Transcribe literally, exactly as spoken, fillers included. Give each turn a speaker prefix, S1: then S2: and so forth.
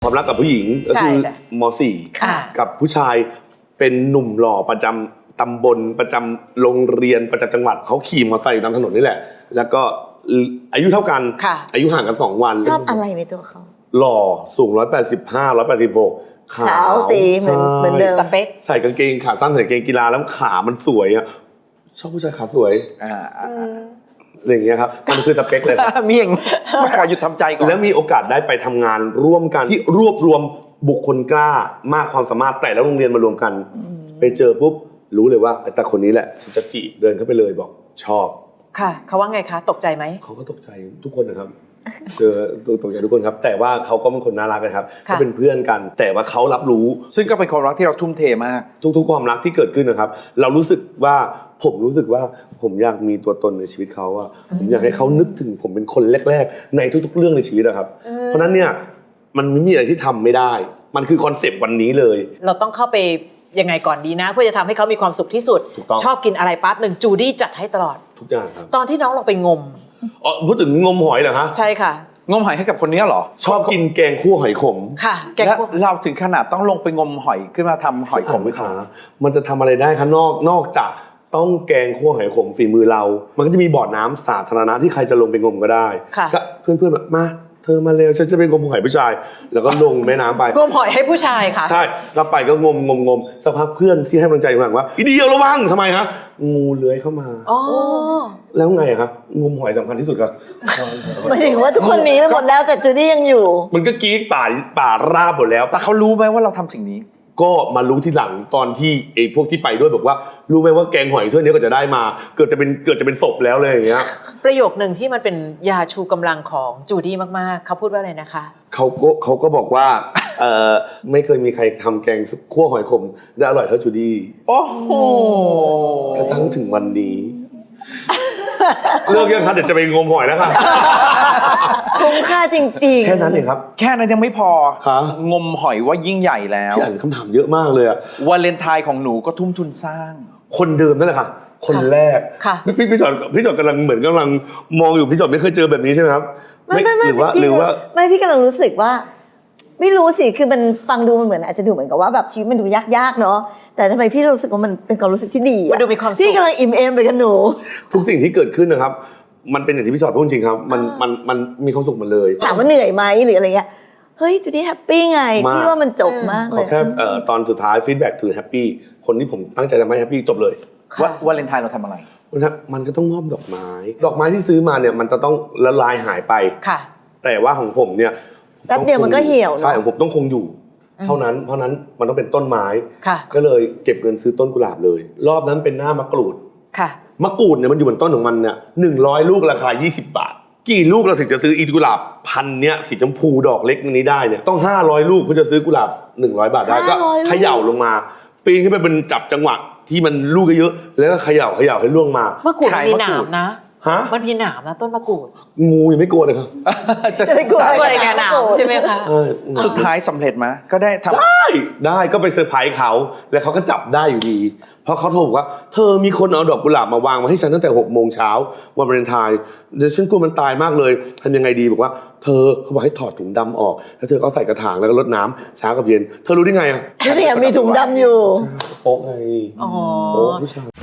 S1: ความรักกับผู้หญิงก็คือม .สี่ กับผู้ชายเป็นหนุ่มหล่อประจำตำบลประจำโรงเรียนประจำจังหวัดเขาขี่มอเตอร์ไซค์อยู่ตามถนนนี่แหละแล้วก็อายุเท่ากันอายุห่างกันสองวัน
S2: ชอบอะไรในตัวเขา
S1: หล่อสูงหนึ่งร้อยแปดสิบห้า หนึ่งร้อยแปดสิบหกขาว
S2: ตีเหมือนเหมือนเดิม
S3: สเปค
S1: ใส่กางเกงขาสั้นใส่กางเกงกีฬาแล้วขามันสวยอ่ะชอบผู้ชายขาสวยอ่าอย่างเงี้ยครับมันคือสเปคเลย
S4: มีอย่างไม่ขอหยุดทำใจก่อน
S1: แล้วมีโอกาสได้ไปทำงานร่วมกันที่รวบรวมบุคคลกล้ามากความสามารถแต่ละโรงเรียนมารวมกันไปเจอปุ๊บรู้เลยว่าแต่คนนี้แหละจะจีบเดินเข้าไปเลยบอกชอบ
S3: ค่ะเขาว่าไงคะตกใจไหม
S1: เขาก็ตกใจทุกคนนะครับเจอตกใจทุกคนครับแต่ว่าเขาก็เป็นคนน่ารักนะครับเขาเป็นเพื่อนกันแต่ว่าเขารับรู้
S4: ซึ่งก็เป็นความรักที่เราทุ่มเทมาก
S1: ทุกๆความรักที่เกิดขึ้นนะครับเรารู้สึกว่าผมรู้สึกว่าผมอยากมีตัวตนในชีวิตเขาอะผมอยากให้เขานึกถึงผมเป็นคนแรกๆในทุกๆเรื่องในชีวิตนะครับเพราะนั้นเนี่ยมันไม่มีอะไรที่ทำไม่ได้มันคือคอนเซปต์วันนี้เลย
S3: เราต้องเข้าไปยังไงก่อนดีนะเพื่อจะทำให้เขามีความสุขที่สุดชอบกินอะไรปั๊บหนึ่งจูดี้จัดให้ตลอด
S1: ทุกอย่างครับ
S3: ตอนที่น้องลงไปงม
S1: อ๋อพูดถึงงมหอยเหรอฮะ
S3: ใช่ค่ะ
S4: งมหอยให้กับคนนี้เหรอ
S1: ชอบกินแกงคั่วหอยขม
S3: ค่ะแกงคั่ว
S4: เราถึงขนาดต้องลงไปงมหอยขึ้นมาทำหอยขม
S1: วิขามันจะทำอะไรได้คะนอกนอกจากต้องแกงคั่วหอยขมฝีมือเรามันก็จะมีบ่อน้ำสาธารณะที่ใครจะลงไปงมก็ได้ก็เพื่อนๆแบบมาเธอมาเร็วฉันจะไปงมหอยผู้ชายแล้วก็ลงแม่น้ำไป
S3: งมหอยให้ผู้ชายค่ะ
S1: ใช่ก็ไปก็งมงมงมสักพักเพื่อนที่ให้กำลังใจหลังว่าอีเดียวระวังทำไมฮะงูเลื้อยเข้ามา
S3: อ๋อ
S1: แล้วไงครับงมหอยสำคัญที่สุดครับ
S2: หมายถึงว่าทุกคนหนีไปหมดแล้วแต่จูดี้ยังอยู่
S1: มันก็กรี๊ดป่าป่าราบหมดแล้ว
S4: แต่เขารู้ไหมว่าเราทำสิ่งนี้
S1: ก็มารู้ทีหลังตอนที่ไอ้พวกที่ไปด้วยบอกว่ารู้ไหมว่าแกงหอยถ้วยนี้ก็จะได้มาเกิดจะเป็นเกิดจะเป็นศพแล้วเลยอย่างเงี้ย
S3: ประโยคหนึ่งที่มันเป็นยาชูกำลังของจูดี้มากๆเขาพูดว่าอะไรนะคะ
S1: เขาก็เขาก็บอกว่าเออไม่เคยมีใครทำแกงคั่วหอยขมได้อร่อยเท่าจูดี้
S4: โอ้โห
S1: กระทั่งถึงวันนี้เลิกยังครับเดี๋ยวจะไปงมหอยแล้วค่ะ
S2: คุ้มค่าจริง
S1: ๆแค่นั้นเองครับ
S4: แค่นั้นยังไม่พองมหอยว่ายิ่งใหญ่แล้ว
S1: พี่อ่านคำถามเยอะมากเลยอะ
S4: วาเลนไทน์ของหนูก็ทุ่มทุนสร้าง
S1: คนเดิมนั่นแหละค่ะคนแรกพี่พี่จอดพี่จอดกำลังเหมือนกำลังมองอยู่พี่จอดไม่เคยเจอแบบนี้ใช่ไหมครับ
S2: ไม่ไม่ไม่หรือว่าหรือว่าไม่พี่กำลังรู้สึกว่าไม่รู้สิคือมันฟังดูมันเหมือนอาจจะดูเหมือนกับว่าแบบชีวิตมันดูยากๆเนาะแต่ทำไมพี่รู้สึกว่ามันเป็นความรู้สึกที่ดี
S3: มันดูมีความสุข
S2: พี่กำลังอิ่มเอมไปกับหนู
S1: ทุกสิ่งที่เกิดขึ้นนะครับมันเป็นอย่างที่พี่ชอดพูดจริงครับมันมันมันมีความสุขหมดเลย
S2: ถามว่าเหนื่อยไหมหรืออะไรเงี้ยเฮ้ยจูดี้แฮปปี้ไงพี่ว่ามันจบมากเลย
S1: ขอแค่ตอนสุดท้ายฟีดแบ็กถือแฮปปี้คนที่ผมตั้งใจทำให้แฮปปี้จบเลย
S4: ว่าวาเลนไทน์เราทำอะไร
S1: มันก็ต้องมอบดอกไม้ดอกไม้ที่ซื้อมาเนี่ยมันจะต้องละลายหายไป
S3: ค่ะ
S1: แต่ว่าของผมเนี่ย
S2: แป๊บเดียวมันก็เหี่ยว
S1: ใช่ของผมต้องคงอยู่เท่านั้นเพราะนั้นมันต้องเป็นต้นไม้
S3: ค่ะ
S1: ก็เลยเก็บเงินซื้อต้นกุหลาบเลยรอบนั้นเป็นหน้ามะกรูด
S3: ค่ะ
S1: มะกรูดเนี่ยมันอยู่บนต้นของมันเนี่ยหนึ่งร้อยลูกราคายี่สิบบาทกี่ลูกเราถึงจะซื้ออีกุหลาบพันเนี้ยสีชมพูดอกเล็กนี้ได้เนี่ยต้องห้าร้อยลูกเพื่อจะซื้อกุหลาบหนึ่งร้อยบาทได้ก็เขย่าลงมาปีนขึ้นไปเป็นจับจังหวะที่มันลูกเยอะๆแล้วก็เขย่าเขย่าให้ล่วงมาม
S3: ะกรูดมีหนามนะ
S1: ฮะ
S3: มันมีหนามนะต้นมะกรูด
S1: งูยังไม่กลัวเลยครับ
S2: จะไม่กลัว
S3: อะไรกันหนามใช่ไหมคะ
S4: สุดท้ายสำเร็จไหมก็ได้ทำ
S1: ได้ได้ก็ไปเซอร์ไพรส์เขาแล้วเขาก็จับได้อยู่ดีเพราะเขาโทรบอกว่าเธอมีคนเอาดอกกุหลาบมาวางมาให้ฉันตั้งแต่หกโมงเช้าวันวาเลนไทน์เดี๋ยวฉันกลัวมันตายมากเลยทำยังไงดีบอกว่าเธอเขาบอกให้ถอดถุงดำออกแล้วเธอก็ใส่กระถางแล้วก็รดน้ำเช้ากับเย็นเธอรู้ได้ไงอ่ะ
S2: นี่มีถุงดำอยู่
S1: โป๊ะไง
S3: อ๋อ
S1: โป๊ะผู้ชาย